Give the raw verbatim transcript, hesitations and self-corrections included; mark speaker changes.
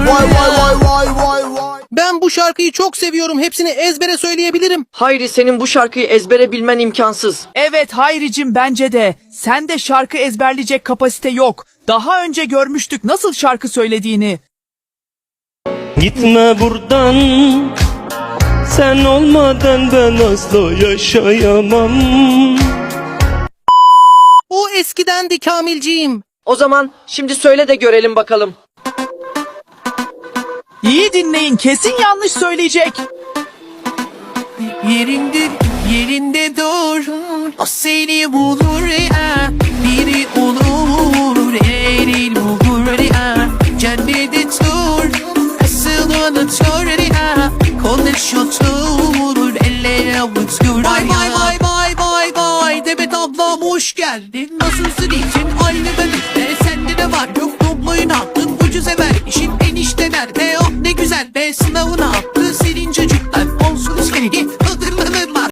Speaker 1: Vay vay vay vay vay vay.
Speaker 2: Ben bu şarkıyı çok seviyorum. Hepsini ezbere söyleyebilirim.
Speaker 3: Hayri, senin bu şarkıyı ezbere bilmen imkansız.
Speaker 4: Evet Hayricim, bence de. Sende şarkı ezberleyecek kapasite yok. Daha önce görmüştük nasıl şarkı söylediğini.
Speaker 5: Gitme buradan, sen olmadan ben asla yaşayamam.
Speaker 2: O eskidendi Kamilciğim.
Speaker 3: O zaman şimdi söyle de görelim bakalım.
Speaker 4: İyi dinleyin, kesin yanlış söyleyecek.
Speaker 2: Yerinde, yerinde dur. O seni bulur ya. Biri olur, eril bulur ya. Cennete tur, asıl unutur ya. Konuşutur, ellere avutur. Vay vay vay vay vay vay. Demet ablam hoş geldin. Nasılsın için aynı bebekte. Sende de var yok, dobloyun attın ucuz sever. İşin enişte nerede? Oh ne güzel be, sınavını attın.